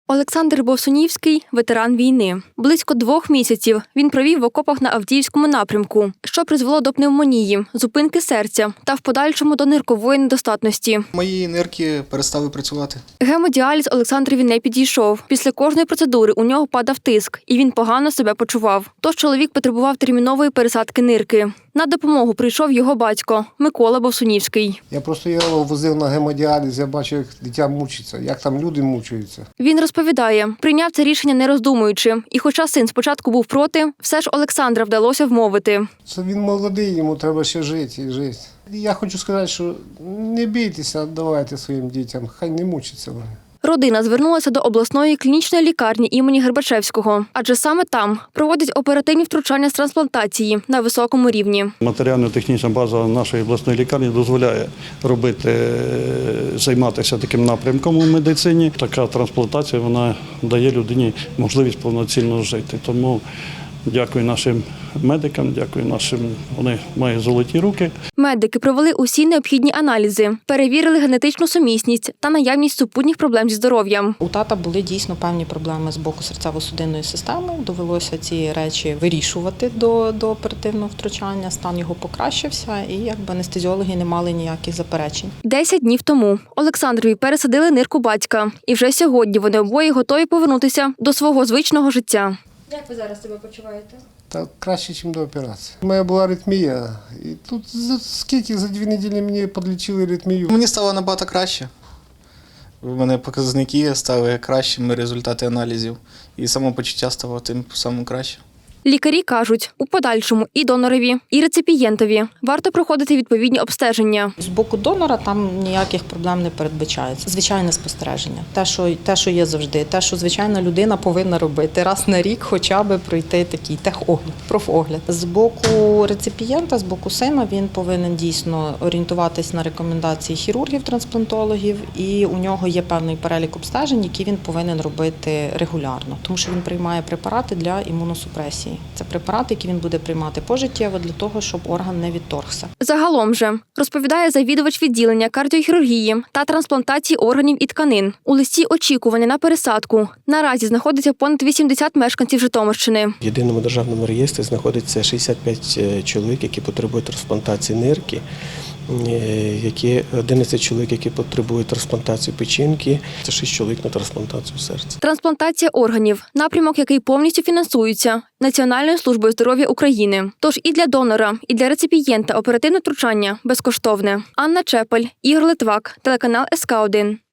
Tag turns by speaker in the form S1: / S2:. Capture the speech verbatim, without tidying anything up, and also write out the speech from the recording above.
S1: Олександр Бовсунівський – ветеран війни. Близько двох місяців він провів в окопах на Авдіївському напрямку, що призвело до пневмонії, зупинки серця та в подальшому до ниркової недостатності.
S2: Мої нирки перестали працювати.
S1: Гемодіаліз Олександрові не підійшов. Після кожної процедури у нього падав тиск, і він погано себе почував. Тож чоловік потребував термінової пересадки нирки. На допомогу прийшов його батько Микола Бовсунівський.
S3: Я просто його возив на гемодіаліз, я бачив, як дитя мучиться, як там люди мучаються.
S1: Він розповідає, прийняв це рішення не роздумуючи. І хоча син спочатку був проти, все ж Олександра вдалося вмовити.
S3: Це він молодий, йому треба ще жити і жити. Я хочу сказати, що не бійтеся, давайте своїм дітям, хай не мучаться вони.
S1: Родина звернулася до обласної клінічної лікарні імені Гербачевського, адже саме там проводять оперативні втручання з трансплантації на високому рівні.
S4: Матеріально-технічна база нашої обласної лікарні дозволяє робити, займатися таким напрямком у медицині. Така трансплантація, вона дає людині можливість повноцінно жити. Тому дякую нашим медикам, дякую нашим, вони мають золоті руки.
S1: Медики провели усі необхідні аналізи, перевірили генетичну сумісність та наявність супутніх проблем зі здоров'ям.
S5: У тата були дійсно певні проблеми з боку серцево-судинної системи. Довелося ці речі вирішувати до, до оперативного втручання. Стан його покращився і якби анестезіологи не мали ніяких заперечень.
S1: Десять днів тому Олександрові пересадили нирку батька. І вже сьогодні вони обоє готові повернутися до свого звичного життя. Як ви зараз себе почуваєте?
S3: Та краще, ніж до операції. У мене була аритмія, і тут за скільки, за дві неділі мені підлічили аритмію.
S2: Мені стало набагато краще. У мене показники стали кращими, результати аналізів. І самопочуття стало тим самим краще.
S1: Лікарі кажуть, у подальшому і донорові, і реципієнтові варто проходити відповідні обстеження.
S5: З боку донора там ніяких проблем не передбачається. Звичайне спостереження. Те, що, те, що є завжди. Те, що звичайна людина повинна робити. Раз на рік хоча б пройти такий техогляд, профогляд. З боку реципієнта, з боку сина, він повинен дійсно орієнтуватись на рекомендації хірургів-трансплантологів. І у нього є певний перелік обстежень, які він повинен робити регулярно. Тому що він приймає препарати для імуносупресії. Це препарати, які він буде приймати пожиттєво для того, щоб орган не відторгся.
S1: Загалом же, розповідає завідувач відділення кардіохірургії та трансплантації органів і тканин. У листі очікування на пересадку наразі знаходиться понад вісімдесят мешканців Житомирщини.
S6: В єдиному державному реєстрі знаходиться шістдесят п'ять чоловік, які потребують трансплантації нирки, які одинадцять чоловік, які потребують трансплантації печінки, це шість чоловік на трансплантацію серця.
S1: Трансплантація органів – напрямок, який повністю фінансується Національною службою здоров'я України. Тож і для донора, і для реципієнта оперативне втручання безкоштовне. Анна Чепель, Ігор Литвак, телеканал ес ка один.